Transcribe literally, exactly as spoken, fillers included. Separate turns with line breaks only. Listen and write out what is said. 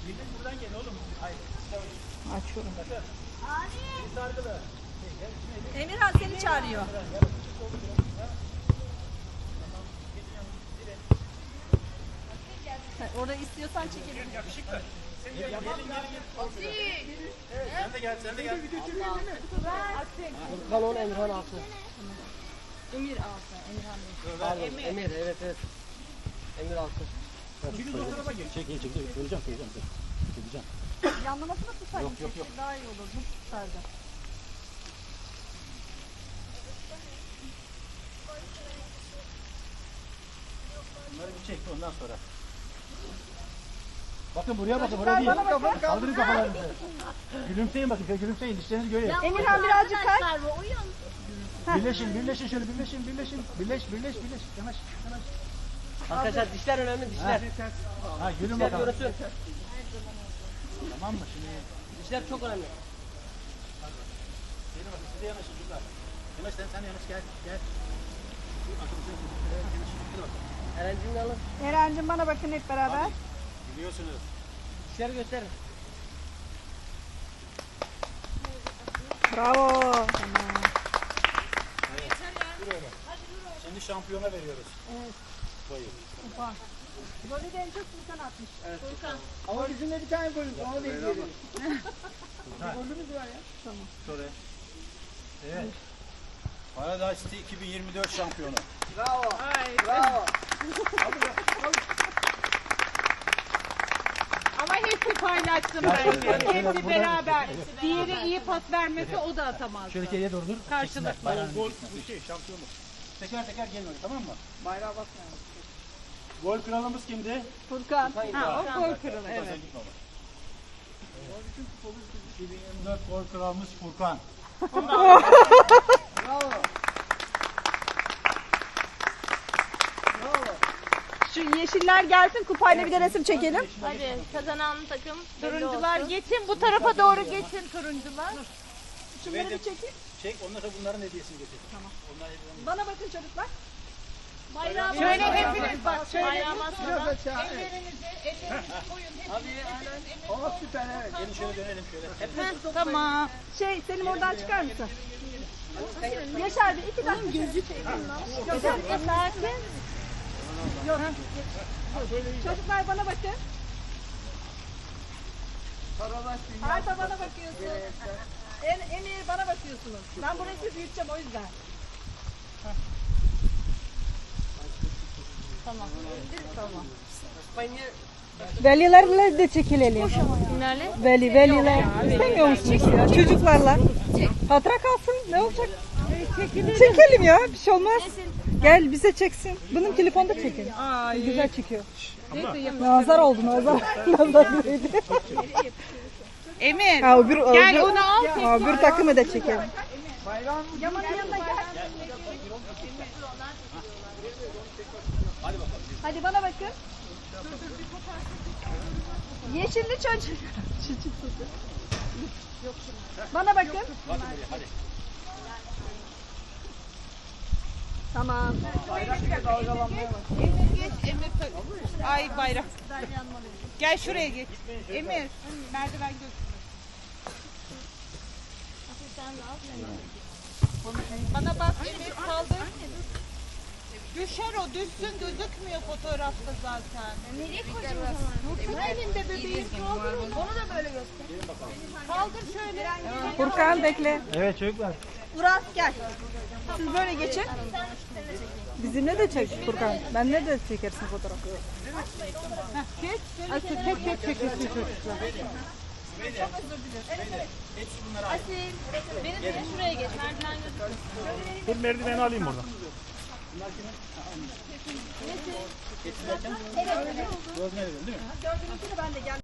Buradan gel oğlum. Hayır.
Açıyorum.
Sargılı.
Emirhan seni çağırıyor. Ha, orada istiyorsan çekelim.
Yakışıklı. Gelin gelin gelin. Evet, sen de gel sen de gel.
Furkan on, Emirhan altı.
Emir altı. Emirhan değil.
Pardon, Emir, evet evet. Emir altı.
Şimdi o tarafa geç.
Çek, çek, çek. Söyleyeceğim, söyleyeceğim. Söyleyeceğim.
Yanlamasını tutsaydın.
Yok, yok, yok.
Daha iyi olur. Bu tutardı.
Bunları bir çek ondan sonra.
Bakın buraya bakın, buraya değil.
Bana bakın.
Kaldırın kafalarınızı. Gülümseyin bakın, şöyle gülümseyin. Dişlerinizi göreyim.
Emirhan birazcık kay.
Birleşin, birleşin şöyle, birleşin, birleşin. Birleş, birleş, birleş. Yanaş, yanaş.
Arkadaşlar dişler önemli, dişler.
Ha, gülün
Dişler
bakalım.
görünsün.
Tamam mı şimdi?
Dişler çok önemli.
Gelin bakın size yanaşın çocuklar. Yanaş sen sen yanaş gel gel. Arkadaşlar evet, yanaş. Hadi bakalım.
Erencimini alın.
Eren'cim bana bakın hep beraber.
Biliyorsunuz.
Dişleri gösterin.
Bravo.
Şimdi şampiyona veriyoruz.
Evet.
Boyu.
Kupa. Golü de en çok Furkan atmış. Furkan.
Ama bizim de bir tane golümüz var, onu da izleyelim.
Golümüz var ya. Tamam.
Sonra. Evet. Paradise City iki bin yirmi dört şampiyonu.
Bravo. Bravo.
Ama hepsi paylaştım bence. Hepsi beraber. Diğeri iyi pas vermese o da atamaz.
Şöyle geriye doğru dur.
Karşılıklı.
Gol bu şey şampiyonluk. Teker teker gelin öyle tamam mı?
Bayrağı basmayalım.
Gol kralımız kimdi?
Furkan.
Ha, o gol kralı evet.
Sen git baba. iki bin yirmi dört gol kralımız Furkan.
Bravo.
Şu yeşiller gelsin kupayla bir de resim çekelim.
Hadi kazanan takım
Turuncular geçin, bu tarafa doğru geçin turuncular.
Şunları bir çekeyim.
Çek ondan sonra bunların hediyesini getir. Tamam. Onlar hediyelerini.
Bana bakın çocuklar.
bayrağı
Şöyle
basmadan-
hepiniz bak, şöyle.
bayrağı basmadan
Ellerinizi, ellerinizi koyun.
O süper, evet.
Gelin şöyle dönelim şöyle.
Heh, tamam.
Şey Selim oradan çıkar mısın? Yaşar bir iki dakika. Gözü Yaşar sakin. Yok. Çocuklar bana bakın. Arda bana bakıyorsun. En, Emir bana bakıyorsunuz. Ben burayı siz büyüteceğim o yüzden. Tamam. Tamam. Velilerle de çekilelim.
Kimlerle?
Veli, veliler. İstemiyor musunuz ya? Çocuklarla. Hatıra kalsın. Ne olacak? Çekelim ya. Bir şey olmaz. Gel bize çeksin. Benim telefonda çekin. Güzel çekiyor. Nazar oldu nazar. Nazar değdi.
Emir,
Ha, öbür,
gel
öbür,
onu al.
ha, öbür takımı da çekelim. Yaman'ın yanına gel. Hadi bana bakın. Yeşilli çocuk. Bana bakın. Tamam.
Emir geç, Emir tak- Ay bayrak. Gel şuraya geç. Emir, merdiven götür. Bana bak Emir kaldır. Düşer o, düşsün gözükmüyor fotoğrafta zaten.
Nereye koyacağım o zaman?
Dursun elinde bebeğim, kaldır onu.
Onu da böyle göster.
Kaldır şöyle.
Furkan bekle.
Evet çocuklar.
Uras gel. Siz böyle geçin. Bizimle de çek Furkan. Benle de çekersin fotoğrafı.
Geç, Asıl tek tek çekilsin çocuklar.
Asil. Benim de şuraya geç. Merdiven gözüküyor.
Dur merdiveni alayım buradan.
Gördün değil mi?
Gördüğünüz gibi ben de gel.